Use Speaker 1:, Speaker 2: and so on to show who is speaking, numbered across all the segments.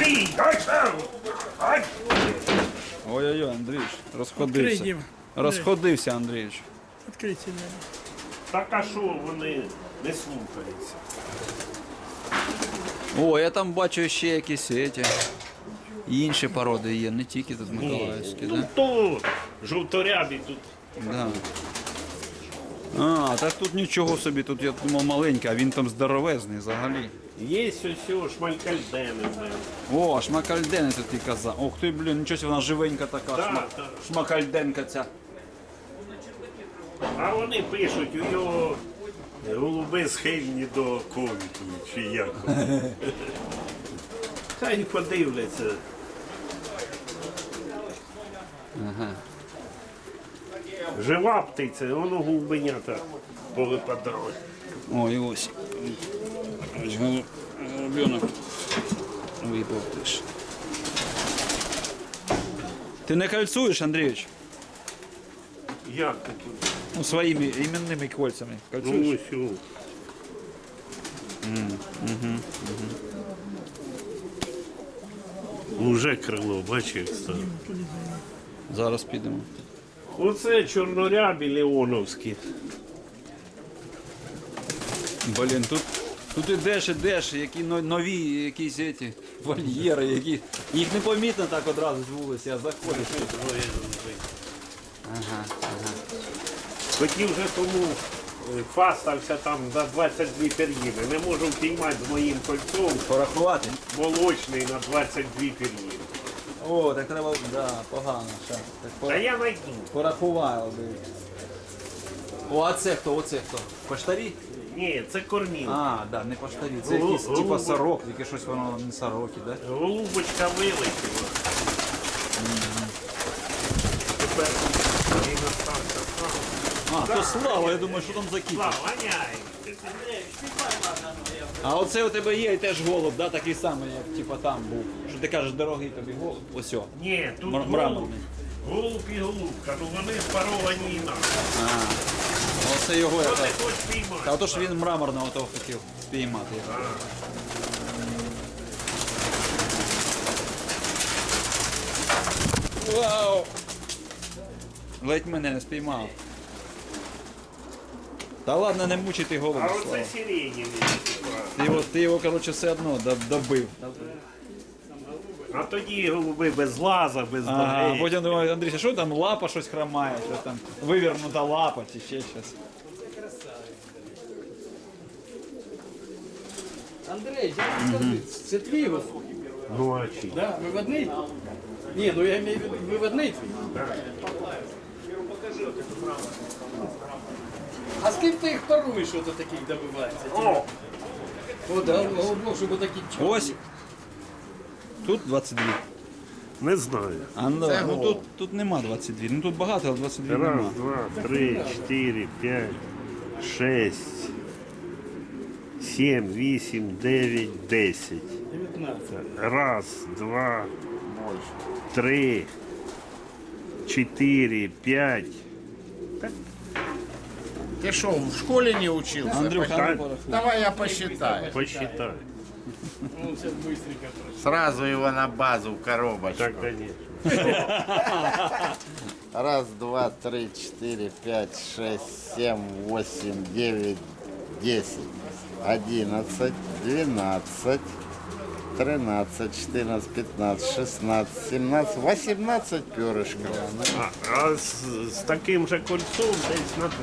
Speaker 1: Андрій, ай!
Speaker 2: Ой-ой-ой, Андрійович, розходився.
Speaker 3: Відкрий,
Speaker 2: Розходився, Андрійович.
Speaker 3: Відкрийте мене.
Speaker 1: Так а що вони не слухаються?
Speaker 2: О, я там бачу ще якісь інші породи є, не тільки тут Миколаївські,
Speaker 1: Ну
Speaker 2: да?
Speaker 1: то жовторябі тут.
Speaker 2: Да. А, так тут нічого собі, тут я думав маленький, а він там здоровезний взагалі.
Speaker 1: Є ось шмалькальдени.
Speaker 2: О, шмакальдени тут і казав. Ох ти, блін, нічого собі, вона живенька така,
Speaker 1: Так.
Speaker 2: шмакальденка ця.
Speaker 1: А вони пишуть, у нього голуби схильні до ковіду, чи як. Хай подивляться.
Speaker 2: Ага.
Speaker 1: Жива птиця, воно голубенята повипадали.
Speaker 2: Ой, ось. Ось голубенок випав теж. Ти не кольцуєш, Андрійович?
Speaker 1: Як ти тут?
Speaker 2: Ну, своїми іменними кольцями. Кольцуєш?
Speaker 1: Ну, ось. Уже крило, бачиш, як стало.
Speaker 2: Зараз підемо.
Speaker 1: Оце чорнорябі леоновські.
Speaker 2: Блін, тут ідеш, які нові якісь ці вольєри, які. Їх непомітно так одразу з вулиці, а заходиш. Ага.
Speaker 1: Хотів вже тому фастався там за 22 пір'їни. Не можу впіймати з моїм кольцом
Speaker 2: Порахувати.
Speaker 1: молочний на 22 пір'їни.
Speaker 2: О, так треба, да, погано. Ще. Так
Speaker 1: Та я знайду.
Speaker 2: порахували. О, а це хто? Оце хто? Поштарі?
Speaker 1: Ні, це корміл.
Speaker 2: А, да, не поштарі. Це якийсь типа сорок, тільки щось воно не сороки, да?
Speaker 1: Голубочка вилетіла. Тепер і настався сам.
Speaker 2: А, то Слава, я думаю, що там за кіт.
Speaker 1: Слава, ганяй.
Speaker 2: А оце у тебе є теж голуб, да, такий самий, як типа там був. Що ти кажеш, дорогий тобі голуб? Ось о.
Speaker 1: Ні, тут голуб,
Speaker 2: Мраморний.
Speaker 1: голуб і голубка, ну вони паровані інакше.
Speaker 2: Оце його я
Speaker 1: Що
Speaker 2: так.
Speaker 1: ти хочеш піймати?
Speaker 2: Та отож він мраморного того хотів спіймати. Вау! Ледь мене не спіймав. Та ладно, не мучити голову.
Speaker 1: А
Speaker 2: Слава.
Speaker 1: оце сиренєві.
Speaker 2: Ти його, коротше, все одно добив.
Speaker 1: А тоді голуби без лаза, без
Speaker 2: Ага,
Speaker 1: ноги.
Speaker 2: потім думаю, Андрій, що там лапа щось хромає, що там вивернута лапа чи ще щось.
Speaker 4: Андрей, скажи, це твій ось?
Speaker 1: Ну а чи?
Speaker 4: Да, виводний? Ні, ну я маю в виду виводний твій. А з ким ти їх паруєш, що то таких добивається?
Speaker 1: О,
Speaker 4: О, да, ну, щоб такі чорні.
Speaker 2: Ось. Тут 22.
Speaker 1: не знаю.
Speaker 2: А ну тут нема 22. Ну тут багато, але 22
Speaker 1: Раз,
Speaker 2: нема.
Speaker 1: два, три, 4, 5, 6, 7, 8, 9, 10.
Speaker 4: 19.
Speaker 1: Раз, два, 3, 4, 5.
Speaker 5: Ты что, в школе не учился?
Speaker 2: Андрюха,
Speaker 1: Так.
Speaker 2: ну порахуй.
Speaker 5: Давай я посчитаю.
Speaker 1: Посчитай.
Speaker 4: Ну, це быстренько трошки.
Speaker 5: Сразу его на базу в коробочку.
Speaker 1: Так, конечно.
Speaker 5: Раз, два, три, четыре, пять, шесть, семь, восемь, девять, 10, 11, 12, 13, 14, 15, 16, 17, 18 перышков.
Speaker 1: А з таким же кольцом десь на 20.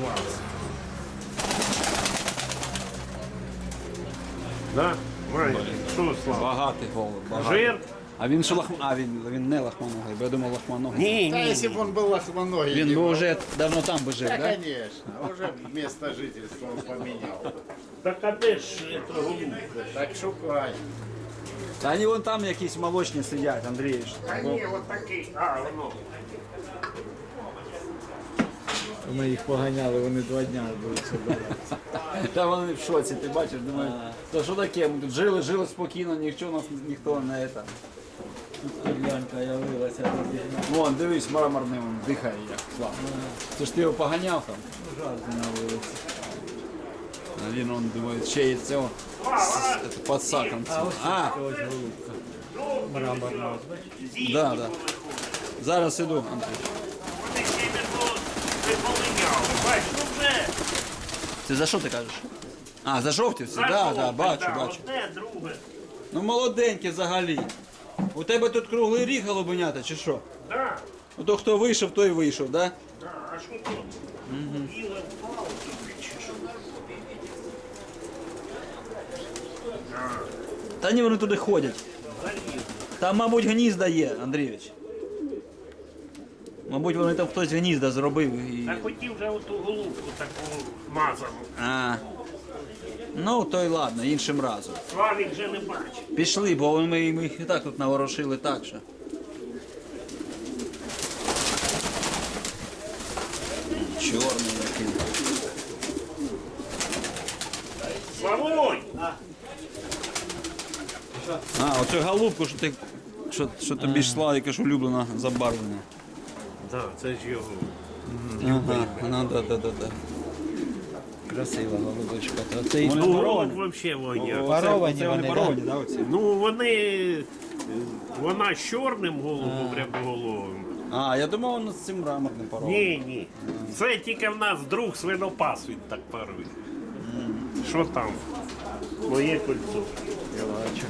Speaker 1: Да? Май, що, Слава?
Speaker 2: Багатий голуб. Багатий.
Speaker 1: Жир?
Speaker 2: А він що він не лахманогий, бо я думав лахманогий.
Speaker 1: Ні,
Speaker 5: Да,
Speaker 1: ні.
Speaker 5: если бы он был лохмоногий.
Speaker 2: Він би
Speaker 5: Дима.
Speaker 2: вже давно там би жив,
Speaker 5: Да,
Speaker 2: да?
Speaker 5: конечно. Уже место жительства он поменял.
Speaker 1: Так а де ж це голубка?
Speaker 5: Так шукай.
Speaker 2: Та вони вон там якісь молочні сидять, Андрійович.
Speaker 1: Та ні, от такий. А, воно.
Speaker 3: Ми їх поганяли, вони 2 дня будуть собирати.
Speaker 2: Та вони в шоці, ти бачиш, думаю, то що таке, ми тут жили спокійно, ніхто не це.
Speaker 3: Глянька явилася.
Speaker 2: Вон, дивись, мраморний він дихає як слава. Це ж ти його поганяв там.
Speaker 3: Жарти на вулиці.
Speaker 2: А він, он, думає, ще й цього під саком.
Speaker 3: А ось
Speaker 2: А,
Speaker 3: ось голубка. Мраморного.
Speaker 2: Да, да. Зараз іду, Андрій.
Speaker 1: Вони ще не полиняли. Бач, ну вже.
Speaker 2: Це за що ти кажеш? А, за жовтівці? Так,
Speaker 1: Зажовте,
Speaker 2: да, бачу,
Speaker 1: да,
Speaker 2: бачу.
Speaker 1: Одне, друге.
Speaker 2: Ну молоденькі взагалі. У тебе тут круглий ріг голубенята, чи що?
Speaker 1: Да,
Speaker 2: Ото хто вийшов, той вийшов, да?
Speaker 1: да, а що тут? Біле впало тобі, чи що?
Speaker 2: Та ні, вони туди ходять.
Speaker 1: Залізли.
Speaker 2: Там, мабуть, гнізда є, Андрійович. Мабуть, вони там хтось гнізда зробив і.
Speaker 1: Та хотів вже оту голубку таку мазану.
Speaker 2: А. Ну, то й ладно, іншим разом.
Speaker 1: Славік вже не бачить.
Speaker 2: Пішли, бо ми їх і так тут наворошили так що. Чорний який.
Speaker 1: Славонь!
Speaker 2: А, оцю голубку, що ти. Що тобі йшла, яка ж улюблена забарвлення.
Speaker 1: Да, це ж його.
Speaker 2: Ага, ну да.
Speaker 3: Красива голубочка. То це і
Speaker 2: Вони
Speaker 1: Ну,
Speaker 3: паровані.
Speaker 1: голуб взагалі воняє.
Speaker 3: Паровані вони,
Speaker 2: паровані, да, оці?
Speaker 1: Ну, вона з чорним голубом, рябоголовим.
Speaker 2: А, я думав, воно з цим мраморним парованим.
Speaker 1: Ні. Це тільки в нас друг свинопас, він так парує. Що там? Моє кольцо.
Speaker 3: Я бачу.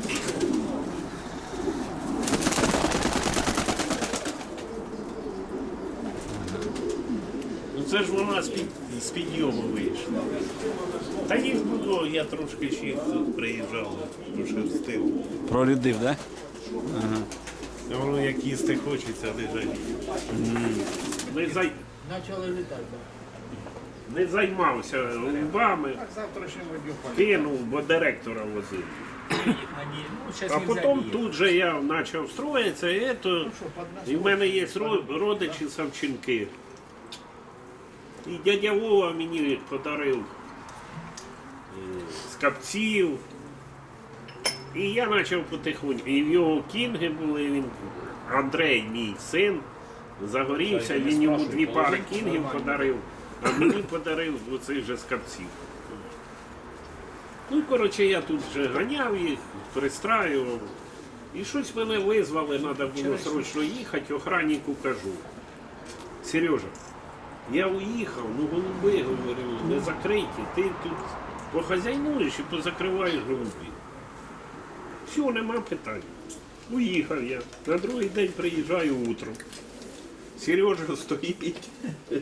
Speaker 1: Ну це ж вона з підйому вийшла. Та їх було, я трошки ще тут приїжджав, пошерстив.
Speaker 2: Прорядив, да?
Speaker 1: А воно як їсти хочеться, не жаліє.
Speaker 4: Почали літати.
Speaker 1: Не займався голубами, кинув, бо директора возив. А потім тут же я почав строїтися, і в мене є родичі Савченки. І дядя Вова мені подарив скапців. І я почав потихоньку. І в його кінги були, він, Андрей, мій син, загорівся, він йому 2 пари кінгів подарив, а мені подарив оцих же скапців. Ну, коротше, я тут вже ганяв їх, пристраював. І щось мене визвали, треба було срочно їхати, охраннику кажу. Сережа, я уїхав, ну голуби, говорю, не закриті, ти тут похазяйнуєш і позакриваєш голубів. Все, нема питань. Уїхав я. На другий день приїжджаю утром. Сережа стоїть.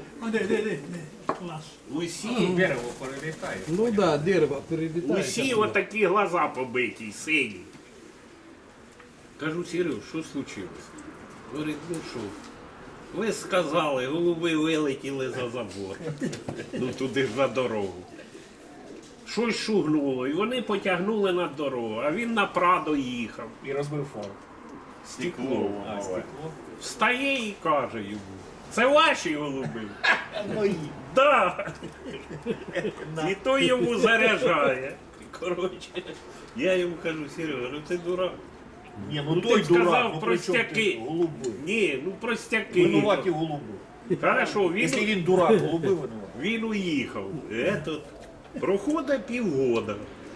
Speaker 1: Усі,
Speaker 3: Ну так, да, дерево перелітає.
Speaker 1: усі отакі глаза побиті, сині. Кажу, Сереж, що случилось? Говорить, ну що? Ви сказали, голуби вилетіли за забор. Ну туди ж на дорогу. Щось шугнуло, і вони потягнули на дорогу, а він на Прадо їхав.
Speaker 4: І розбив фар.
Speaker 1: Стекло. Встає і каже йому, це ваші голуби?
Speaker 4: Мої.
Speaker 1: Да. І той йому заряджає. Коротше, я йому кажу, Серега, ну ти дурак.
Speaker 4: Ні,
Speaker 1: Ну ти сказав простяки.
Speaker 4: голуби.
Speaker 1: Ні, ну простяки.
Speaker 4: Винуваті голуби.
Speaker 1: Хорошо,
Speaker 4: Якщо він дурак, голуби винуваті.
Speaker 1: він уїхав. Проходить півгода.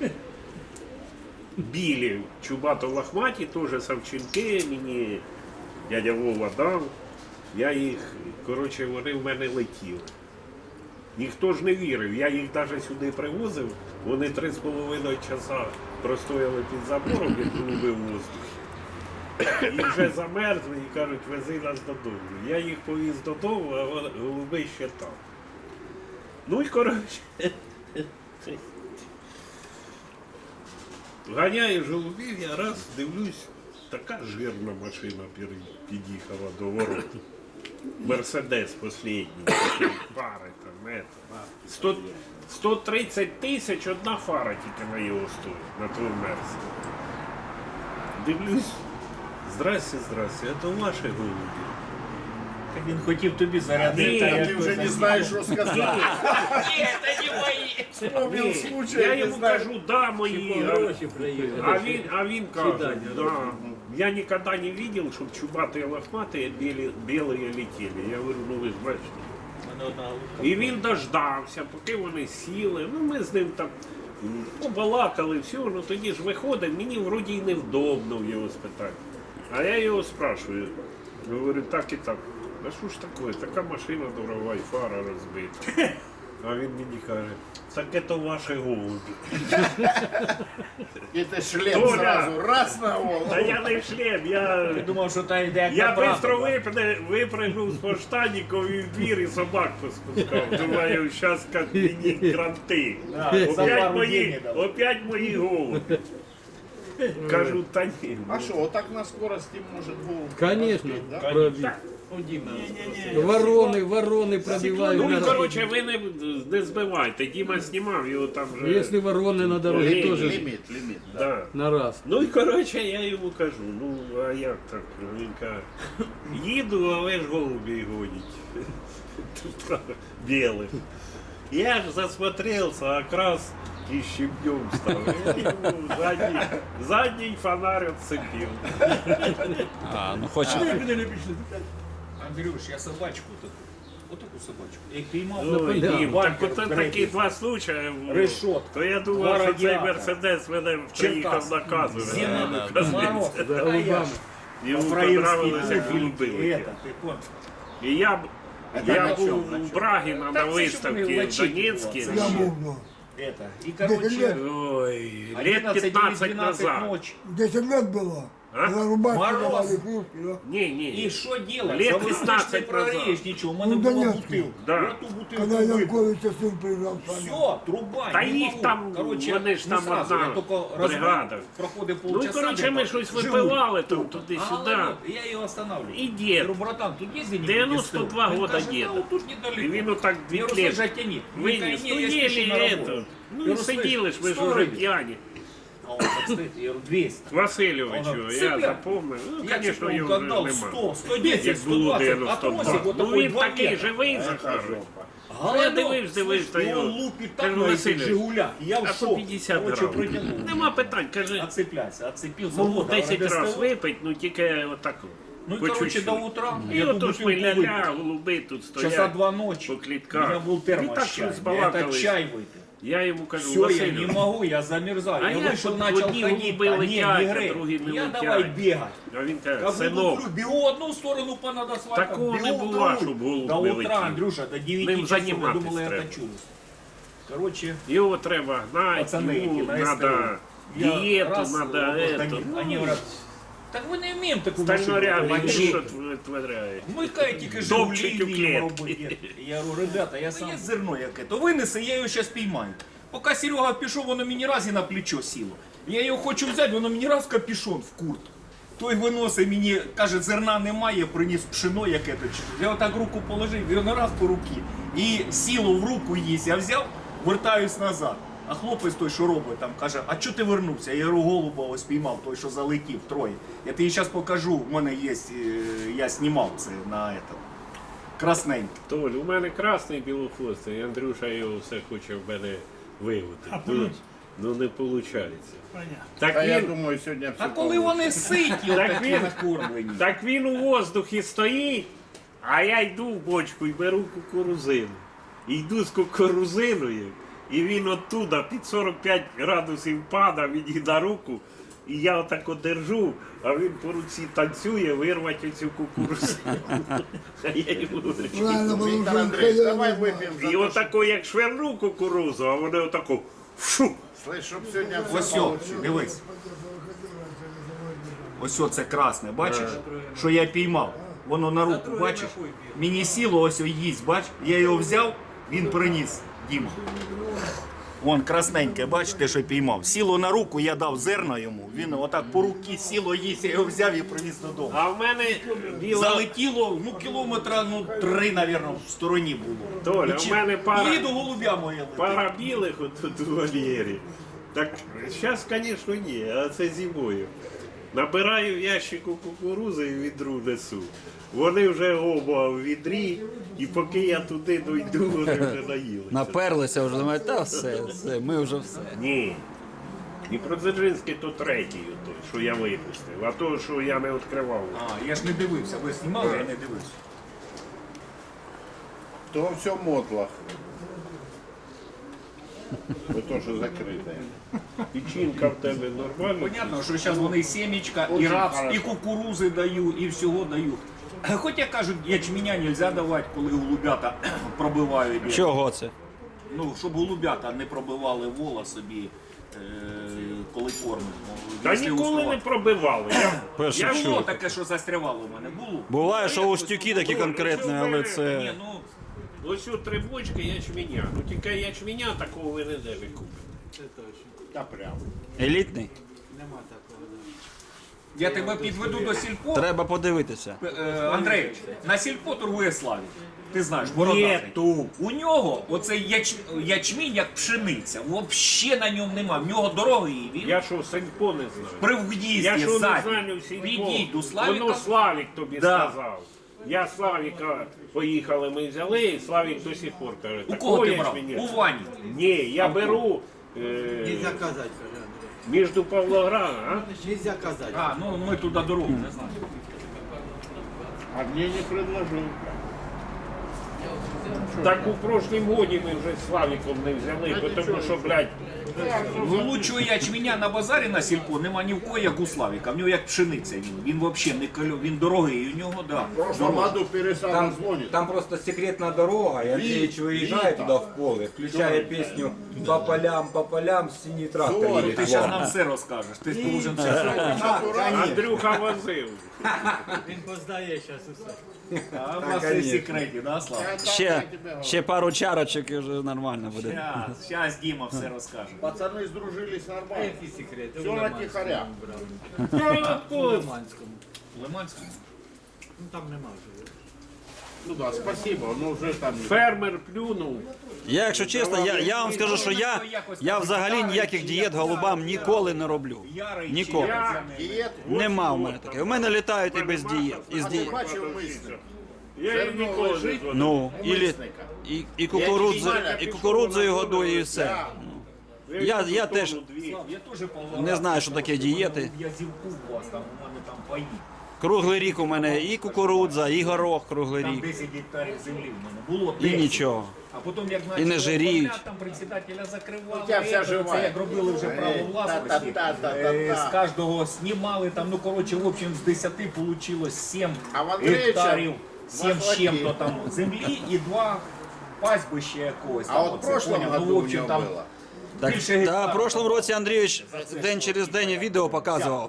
Speaker 1: Білі, чубато-лохматі, теж Савченки, мені дядя Вова дав. Я їх, коротше, вони в мене летіли. Ніхто ж не вірив, я їх навіть сюди привозив, вони 3,5 часа простояли під забором, як голуби в воздухі. І вже замерзли і кажуть, вези нас додому. Я їх повіз додому, а голуби ще там. Ну і коротше. Ганяєш голубів, я раз дивлюсь, така жирна машина під'їхала до ворот. Мерседес останній, пари там, 130 тисяч одна фара тільки на його стоїть, на твою Мерсі. Дивлюсь, здрасте, а то ваші голуби.
Speaker 4: Він хотів тобі зарядити.
Speaker 1: Ні,
Speaker 5: Ты уже не знаешь, что сказать. Вспомнил случай,
Speaker 1: Я
Speaker 5: не
Speaker 1: йому
Speaker 5: знаю.
Speaker 1: кажу, да, мої. А він каже, да. Я никогда не видел, чтобы чубатые лохматые белые летели. Я говорю, ну ви ж бачите. І він дождався, поки вони сіли. Ну ми з ним там побалакали, все, ну тоді ж виходить, мені вроді й невдобно в його спитати. А я його спрашиваю. Говорю, так і так. А що ж таке? Така машина дорога і фара розбита. А він мені каже, так це ваші голуби.
Speaker 5: Это шлем
Speaker 1: Толя!
Speaker 5: сразу, раз на голову.
Speaker 1: Та я не шлем, я
Speaker 3: Думав, що та йде
Speaker 1: Я швидко випрыгнув з поштанників і в двір і собак поспускав. Думаю, зараз як мені кранти. Опять мої голуби. Кажу, та ні.
Speaker 5: А что, вот так на скорости может голову?
Speaker 3: Конечно,
Speaker 5: да?
Speaker 3: пробіг. Ворони пробивають.
Speaker 1: Ну і
Speaker 3: на
Speaker 1: коротше, ви не збивайте. Діма знімав його там вже.
Speaker 3: Якщо ворони на дорозі теж
Speaker 5: Лимит.
Speaker 1: Да.
Speaker 3: на раз.
Speaker 1: Ну і коротше, я йому кажу, ну а як так? Він каже, їду, але ж голубі гонять. Білих. Я ж засмотрелся, якраз і щебнем став. Я йому задній фонарь отцепив.
Speaker 2: А, ну хоче.
Speaker 6: Андрюш, я собачку таку. Отаку собачку. Я їх піймав.
Speaker 1: Ой,
Speaker 3: да.
Speaker 1: Дім, так от такі два случаї було.
Speaker 6: Решотка.
Speaker 1: То я думав,
Speaker 6: Два
Speaker 1: що цей
Speaker 6: радіатора.
Speaker 1: Мерседес мене приїхав
Speaker 6: Черкас.
Speaker 1: наказувати.
Speaker 6: Зима, мороз.
Speaker 3: Голубами.
Speaker 1: Йому
Speaker 6: Фраївський
Speaker 1: понравилися
Speaker 6: пуфік.
Speaker 1: голуби.
Speaker 6: Это, ты понял?
Speaker 1: І я
Speaker 5: на
Speaker 1: був
Speaker 5: чому, на
Speaker 1: у
Speaker 5: чому?
Speaker 1: Брагіна на
Speaker 6: Так це
Speaker 1: виставці
Speaker 6: щоб вони
Speaker 1: в
Speaker 6: лачить
Speaker 1: Донецьку.
Speaker 6: було. Это. И короче,
Speaker 1: Ой, лет
Speaker 6: 11 или
Speaker 1: 15
Speaker 6: 12
Speaker 1: назад.
Speaker 6: ночи.
Speaker 7: 10 лет было.
Speaker 1: А?
Speaker 7: Когда рубашки
Speaker 6: Мороз.
Speaker 7: давали, кружки, да?
Speaker 1: Ні.
Speaker 6: И что делать?
Speaker 1: Лет
Speaker 6: За высокий
Speaker 1: 15
Speaker 6: не прорежь
Speaker 1: назад.
Speaker 6: ничего. У мене
Speaker 7: Ну,
Speaker 6: була
Speaker 7: Донецкий.
Speaker 6: бутилка.
Speaker 1: Да.
Speaker 6: Я ту бутилку
Speaker 7: Когда
Speaker 6: випив.
Speaker 7: Янковича сын приезжал с вами.
Speaker 6: Все, труба,
Speaker 1: Та
Speaker 6: не
Speaker 1: їх
Speaker 6: могу.
Speaker 1: там,
Speaker 6: Короче,
Speaker 1: вони ж
Speaker 6: не
Speaker 1: там
Speaker 6: сразу,
Speaker 1: одна
Speaker 6: я тільки
Speaker 1: бригада.
Speaker 6: проходив
Speaker 1: Ну і
Speaker 6: полчаса.
Speaker 1: коротше ми
Speaker 6: где-то,
Speaker 1: щось
Speaker 6: живу.
Speaker 1: випивали там
Speaker 6: А,
Speaker 1: туди-сюди.
Speaker 6: вот, я його останавливаю.
Speaker 1: І дід.
Speaker 6: Я говорю, братан, тут есть где-нибудь
Speaker 1: 92
Speaker 6: ДСТ? Он
Speaker 1: года
Speaker 6: каже,
Speaker 1: деда.
Speaker 6: «Да, вот тут
Speaker 1: І
Speaker 6: недалеко».
Speaker 1: він отак
Speaker 6: Я
Speaker 1: дві
Speaker 6: говорю,
Speaker 1: клетки
Speaker 6: слушай, тяни.
Speaker 1: виніс. Ну
Speaker 6: я спешу на
Speaker 1: єлі
Speaker 6: работу.
Speaker 1: это. Ну
Speaker 6: Я
Speaker 1: і
Speaker 6: говорю,
Speaker 1: сиділи ж, ви ж
Speaker 6: 100
Speaker 1: уже
Speaker 6: гривень.
Speaker 1: п'яні.
Speaker 6: А он так стоит, я говорю, 200.
Speaker 1: Васильовичу,
Speaker 6: Ага.
Speaker 1: я
Speaker 6: Цепляй.
Speaker 1: запомнив. Ну,
Speaker 6: Я
Speaker 1: звісно,
Speaker 6: тебе
Speaker 1: його вже
Speaker 6: отдал
Speaker 1: нема.
Speaker 6: 100, 110,
Speaker 1: Як було
Speaker 6: 120, а тросик
Speaker 1: 92.
Speaker 6: вот
Speaker 1: Ну
Speaker 6: такой
Speaker 1: він
Speaker 6: 2
Speaker 1: такий
Speaker 6: метра.
Speaker 1: живий, Захар.
Speaker 6: Голодок,
Speaker 1: Я дивився,
Speaker 6: слышь,
Speaker 1: його.
Speaker 6: он лупит так
Speaker 1: Кажу,
Speaker 6: на этих
Speaker 1: Васильович,
Speaker 6: «Жигулях». Я в
Speaker 1: а
Speaker 6: шок.
Speaker 1: по 50
Speaker 6: Короче,
Speaker 1: грам.
Speaker 6: протянул.
Speaker 1: Нема питань, каже,
Speaker 6: Отцепляйся, отцепился.
Speaker 1: можу
Speaker 6: Вот,
Speaker 1: 10
Speaker 6: говорю,
Speaker 1: разів
Speaker 6: ДСТ.
Speaker 1: випити, ну тільки отак.
Speaker 6: Ну и,
Speaker 1: по
Speaker 6: короче,
Speaker 1: чуть-чуть.
Speaker 6: до утра
Speaker 1: І
Speaker 6: я ту
Speaker 1: ото ж ми
Speaker 6: бутылку выпил.
Speaker 1: ля-ля, голуби тут стоять.
Speaker 6: Часа 2 ночи.
Speaker 1: по
Speaker 6: У
Speaker 1: клетках.
Speaker 6: меня был
Speaker 1: И
Speaker 6: термос
Speaker 1: так
Speaker 6: чай. Я
Speaker 1: разбалакались.
Speaker 6: этот чай выпил.
Speaker 1: Я йому кажу,
Speaker 6: Все, я
Speaker 1: Василю,
Speaker 6: не могу, я замерзаю.
Speaker 1: А
Speaker 6: я
Speaker 1: я
Speaker 6: вышел,
Speaker 1: тут
Speaker 6: начал
Speaker 1: одни
Speaker 6: ходить,
Speaker 1: голуби
Speaker 6: а не
Speaker 1: летять, а
Speaker 6: грей.
Speaker 1: другі не
Speaker 6: Я
Speaker 1: летять.
Speaker 6: давай бегать.
Speaker 1: а він каже,
Speaker 6: Как
Speaker 1: синок,
Speaker 6: буду, бегу в одну сторону по над асфальтом,
Speaker 1: Такого не
Speaker 6: бегу в
Speaker 1: бува,
Speaker 6: другую.
Speaker 1: щоб голубь
Speaker 6: До
Speaker 1: не
Speaker 6: утра,
Speaker 1: летів.
Speaker 6: Андрюша, до 9
Speaker 1: Ним
Speaker 6: часов. Я
Speaker 1: займатись
Speaker 6: думал, я
Speaker 1: треба.
Speaker 6: качусь. Короче,
Speaker 1: його треба гнати,
Speaker 6: пацаны эти
Speaker 1: йому
Speaker 6: на
Speaker 1: треба
Speaker 6: СТО. Я
Speaker 1: дієту,
Speaker 6: раз,
Speaker 1: треба
Speaker 6: вот
Speaker 1: это.
Speaker 6: они говорят, так мы не вміємо таку
Speaker 1: Стальнорябі,
Speaker 6: машину.
Speaker 1: що творяє.
Speaker 6: Ми кай тільки
Speaker 1: Топчуть
Speaker 6: «Жигулі»
Speaker 1: у
Speaker 6: вміємо
Speaker 1: клітки.
Speaker 6: робити. Я говорю, ребята, я сам... Є зерно яке, то винеси, я його зараз піймаю. Поки Серега пішов, воно мені раз і на плечо сіло. Я його хочу взяти, воно мені раз в капюшон, в курт. Той виносить мені, каже, зерна немає, приніс пшено яке-то. Я отак руку положив, і воно раз по руки. І сіло в руку їсть. Я взяв, вертаюсь назад. А хлопець той, що робить, там каже, а чого ти вернувся? Я говорю, голуба ось піймав, той, що залетів, троє. Я тобі зараз покажу, в мене є, я знімав це на этом. Красненький.
Speaker 1: Толь, у мене красний білохвостий, Андрюша його все хоче в мене вигути. Ну не виходить. Так
Speaker 5: А я
Speaker 1: він,
Speaker 5: думаю, сегодня все
Speaker 6: А коли вони ситі,
Speaker 1: Так
Speaker 6: отакі
Speaker 1: він-
Speaker 6: накормлені.
Speaker 1: так він у воздухі стоїть, а я йду в бочку і беру кукурузину. І йду з кукурузиною, і він оттуда під 45 градусів падає мені на руку, і я отак одержу, а він по руці танцює, вирвати оцю кукурузину. А я йому говорю,
Speaker 7: Правильно было
Speaker 5: Виктор
Speaker 7: уже
Speaker 5: Андреевич,
Speaker 7: хозяин
Speaker 5: давай
Speaker 7: знал.
Speaker 5: выпьем за
Speaker 1: і
Speaker 5: то,
Speaker 1: отако, як шверну кукурузу, а вони отако фу.
Speaker 5: слышь, чтоб сегодня все
Speaker 6: Ось о, дивись. Ось о, це красне, бачиш? Що я піймав. Воно на руку, бачиш? Мені сіло ось о їсть, бач? Я його взяв, він приніс, Діма. Вон красненьке, бачите, що піймав. Сіло на руку, я дав зерна йому. Він отак по руки сіло їсть, я його взяв і приніс додому.
Speaker 1: А в мене біла...
Speaker 6: Залетіло, ну, кілометра, 3, мабуть, в стороні було.
Speaker 1: Толя,
Speaker 6: І
Speaker 1: в мене пара-
Speaker 6: Їду голубя моє летить.
Speaker 1: Пара білих отут у вольєрі. Так зараз, звісно, ні, а це зимою. Набираю в ящику кукурузи і відру несу. Вони вже оба в відрі, і поки я туди дойду, вони вже наїлися.
Speaker 2: Наперлися вже, думають, та все, ми вже все.
Speaker 1: Ні. Дніпродзержинський то третій, той, що я випустив, а то, що я не відкривав.
Speaker 6: А, я ж не дивився, ви знімали, я не дивився.
Speaker 5: То все мотлах. Ви теж закриті.
Speaker 1: Печінка в тебе нормальна?
Speaker 6: Понятно, що зараз вони і семечка, і рапс, і кукурузи даю, і всього даю. Хоча кажуть, ячменя не можна давати, коли голубята пробивають.
Speaker 2: Чого це?
Speaker 6: Ну, щоб голубята не пробивали вола собі, коли кормять.
Speaker 1: Та
Speaker 6: Якщо
Speaker 1: ніколи не
Speaker 6: устроїть.
Speaker 1: пробивали.
Speaker 2: Перше
Speaker 6: Я було
Speaker 2: чую.
Speaker 6: таке, що застрявало в мене. Було.
Speaker 2: Буває, що устюки такі конкретні, але
Speaker 6: Ні,
Speaker 2: це.
Speaker 6: ну,
Speaker 1: Ось у 3 бочки ячменя. Ну тільки ячменя такого ви не де купите.
Speaker 5: Та прямо.
Speaker 2: Елітний?
Speaker 6: я тебе підведу до сільпо.
Speaker 2: Треба подивитися.
Speaker 6: Андрей, на сільпо торгує Славік. Ти знаєш, бородатий.
Speaker 1: Нету.
Speaker 6: У нього оцей ячмінь як пшениця. Взагалі на ньому нема. В нього дорогий він.
Speaker 1: Я що, Сенько не знаю?
Speaker 6: При в'їзді
Speaker 1: Я що не
Speaker 6: ззаді.
Speaker 1: знаю всіх.
Speaker 6: Підійду до Славіка.
Speaker 1: Воно Славік тобі
Speaker 6: Да.
Speaker 1: сказав. Я Славіка поїхали, ми взяли, і Славік до сих пор каже.
Speaker 6: У кого ти брав?
Speaker 1: ячменя?
Speaker 6: У Вані.
Speaker 1: Ні, я беру
Speaker 3: Нельзя казати, каже
Speaker 1: між Павлоградом, а?
Speaker 3: Андрій. Нельзя казати.
Speaker 6: А, ну ми туди дорогу не знаємо.
Speaker 5: А мені не предложив.
Speaker 1: Так у прошлім годі ми вже з Славіком не взяли, тому що, блядь,
Speaker 6: Ну, лучшого ячменя на базарі на сільпо нема ні в кого, як у Славіка. В нього як пшениця він. Він взагалі не кольо, він дорогий, у нього, да.
Speaker 5: В прошлом году перестал звонить.
Speaker 8: Там просто секретная дорога, и Андреевич выезжает туда в поле, включая песню по полям, синий трактор
Speaker 5: Зорі,
Speaker 8: едет.
Speaker 6: Ти зараз нам все розкажеш. Ти должен все зробити.
Speaker 1: Андрюха возив.
Speaker 3: Він познає зараз усе.
Speaker 6: А у вас все в секреті, да, Слава?
Speaker 2: Ще пару чарочок і вже нормально буде.
Speaker 6: Зараз Діма все розкаже.
Speaker 5: Пацаны сдружились нормально.
Speaker 3: Які секрети?
Speaker 5: Все на тихаря.
Speaker 3: В Лиманському.
Speaker 6: В Лиманському?
Speaker 3: Ну там нема вже.
Speaker 5: Ну да, спасибо, но уже там...
Speaker 1: Фермер плюнув.
Speaker 2: Я, якщо чесно, я вам скажу, що я взагалі ніяких дієт голубам ніколи не роблю.
Speaker 6: Ярий
Speaker 2: Ніколи.
Speaker 6: чи
Speaker 5: Диет.
Speaker 2: Нема в мене таке. У мене літають і без дієт. І з
Speaker 5: А
Speaker 2: дієт.
Speaker 5: ти бачив мисно?
Speaker 1: Я її ніколи не згоден.
Speaker 2: Ну, і кукурудзою годую, і все. Я теж
Speaker 6: Я теж
Speaker 2: не знаю, що таке дієти.
Speaker 6: Я зівку у вас, там у мене там паї.
Speaker 2: Круглий рік у мене і кукурудза, і горох круглий
Speaker 6: Там
Speaker 2: рік.
Speaker 6: 10 гектарів землі в мене було.
Speaker 2: І
Speaker 6: 10.
Speaker 2: нічого.
Speaker 6: А потім як
Speaker 2: І не жиріють.
Speaker 6: оформляти, там председателя закривали.
Speaker 5: У тебе вся
Speaker 6: це
Speaker 5: жива.
Speaker 6: як робили вже право власності.
Speaker 5: Та-та-та-та-та.
Speaker 6: З кожного знімали, там, ну коротше, в общем, з 10 вийшло 7
Speaker 5: А в Андрійча
Speaker 6: гектарів, 7 з
Speaker 5: маслаки.
Speaker 6: чим-то там землі і 2 пастбища якогось.
Speaker 5: А
Speaker 6: там,
Speaker 5: от в
Speaker 6: оце,
Speaker 5: прошлом
Speaker 6: поняв?
Speaker 5: году
Speaker 6: Ну, в
Speaker 5: у
Speaker 6: общем,
Speaker 5: него
Speaker 6: там
Speaker 5: было.
Speaker 2: Так,
Speaker 6: більше
Speaker 2: та
Speaker 6: гектарів.
Speaker 2: в прошлому році Андрійович день через день відео показував.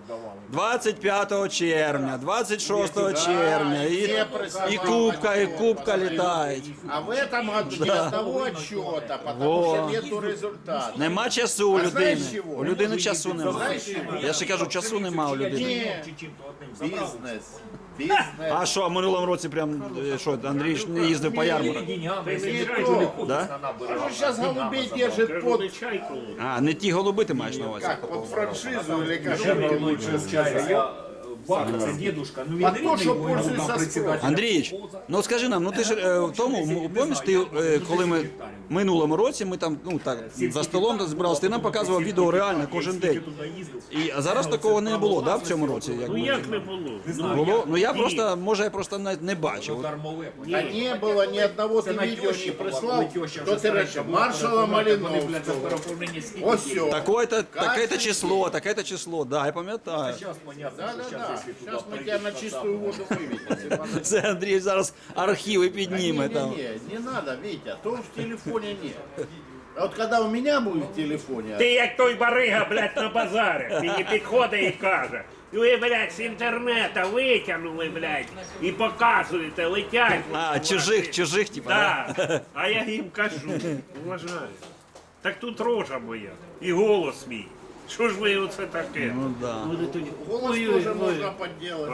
Speaker 2: 25 червня, 26 червня, і кубка літають.
Speaker 5: А в этом году ни одного отчета, потому
Speaker 2: Во.
Speaker 5: что нету результата.
Speaker 2: Нема часу у
Speaker 5: А знаєш
Speaker 2: людини.
Speaker 5: чого?
Speaker 2: У людини часу немає.
Speaker 5: Знаєш чого?
Speaker 2: Я ще кажу, часу нема у людини.
Speaker 5: Ні.
Speaker 6: Чи чим-то одним забрав.
Speaker 5: Бізнес.
Speaker 2: А що, в минулому році прям що, Андрій ж не їздив по ярмарку?
Speaker 6: Деньгами,
Speaker 5: не
Speaker 6: якщо
Speaker 5: то.
Speaker 6: не ходиш
Speaker 2: Да?
Speaker 6: на набережну,
Speaker 5: Он сейчас
Speaker 6: деньгами
Speaker 5: голубей
Speaker 6: забрав.
Speaker 5: держит
Speaker 1: Кажу,
Speaker 5: под...
Speaker 1: не чайку.
Speaker 2: А, не ті голуби ти маєш на увазі?
Speaker 5: Как, под франшизу или как?
Speaker 6: Ще лучше вчається. Бабка, це дедушка, ну він
Speaker 5: А то,
Speaker 6: рідний,
Speaker 5: що
Speaker 6: бо
Speaker 5: пользується
Speaker 6: там председатель.
Speaker 2: Андрійович, ну скажи нам, ну ти ж в тому, помніш, ти, коли ми в минулому році, ми там, ну так, за столом збиралися, ти нам показував відео реально кожен день. А зараз такого не було, да, в цьому році?
Speaker 1: Ну як не було?
Speaker 2: Було? Ну я просто, може я просто не бачив.
Speaker 6: Дармове.
Speaker 5: Да не было ни одного ты видео не прислал, кто ты раньше, маршала Малиновского. Вот все.
Speaker 2: Таке-то число, таке-то число, да, я пам'ятаю.
Speaker 6: Зараз понятно, що
Speaker 5: Да-да-да,
Speaker 6: зараз, якщо
Speaker 5: сейчас
Speaker 6: туди
Speaker 5: мы тебя на чистую воду выведем.
Speaker 2: Це Андрій зараз архіви підніме там.
Speaker 5: Не надо, Витя, то в телефоне нет. А вот когда у меня будет в телефоне,
Speaker 1: Ти як той барига, блядь, на базарі. Мені підходить і каже. Ви, блядь, з інтернета витягнули, блядь, і показуєте, летять.
Speaker 2: А, чужих, типа, да?
Speaker 1: Так. А я їм кажу, уважаю. Так тут рожа моя і голос мій. Що ж ви оце таке?
Speaker 2: Ну да.
Speaker 5: голос тоже можно подделать.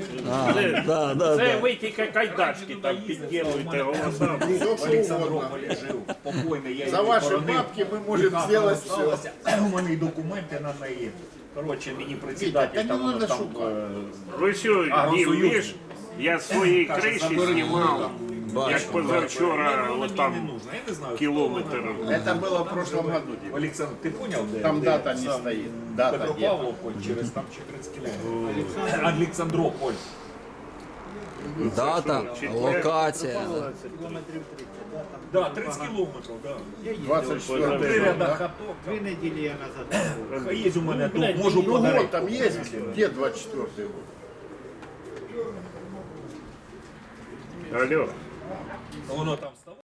Speaker 1: Це ви тільки кайдачки там підділуєте голосами.
Speaker 5: Все
Speaker 6: в
Speaker 5: что
Speaker 6: Олександрополі
Speaker 5: угодно.
Speaker 6: жив, покойний, я
Speaker 5: За
Speaker 6: її
Speaker 5: ваши
Speaker 6: похоронив.
Speaker 5: бабки мы можем сделать все.
Speaker 6: Осталося. У мене і документи на неї. Коротше, мені
Speaker 5: Та
Speaker 6: председатель
Speaker 5: не
Speaker 6: там, воно
Speaker 5: надо
Speaker 6: там
Speaker 5: шукати.
Speaker 1: Ви що, ні,
Speaker 6: Агросоюз.
Speaker 1: вмієш? Я з своєї криші знімав, як позавчора,
Speaker 6: воно
Speaker 1: от
Speaker 6: мені не
Speaker 1: там
Speaker 6: нужно. Я не знаю,
Speaker 1: кілометр.
Speaker 5: Это было в прошлом году. Дима.
Speaker 6: Олександр, ти поняв, де?
Speaker 5: Там
Speaker 6: де
Speaker 5: дата не
Speaker 6: сам
Speaker 5: стоит. Дата
Speaker 6: Петропавловка через там 14 кілометрів. Олександрополь.
Speaker 2: Дата, локація.
Speaker 6: Да, 30 кілометрів, да.
Speaker 5: 24
Speaker 6: Три
Speaker 5: год,
Speaker 6: ряда
Speaker 5: да?
Speaker 6: хаток.
Speaker 3: 2 неділі я назад.
Speaker 6: Хай є у мене тут,
Speaker 5: Ну,
Speaker 6: можу
Speaker 5: год
Speaker 6: подарити.
Speaker 5: там есть, где 24 год?
Speaker 1: Алло.
Speaker 6: Воно там вставає.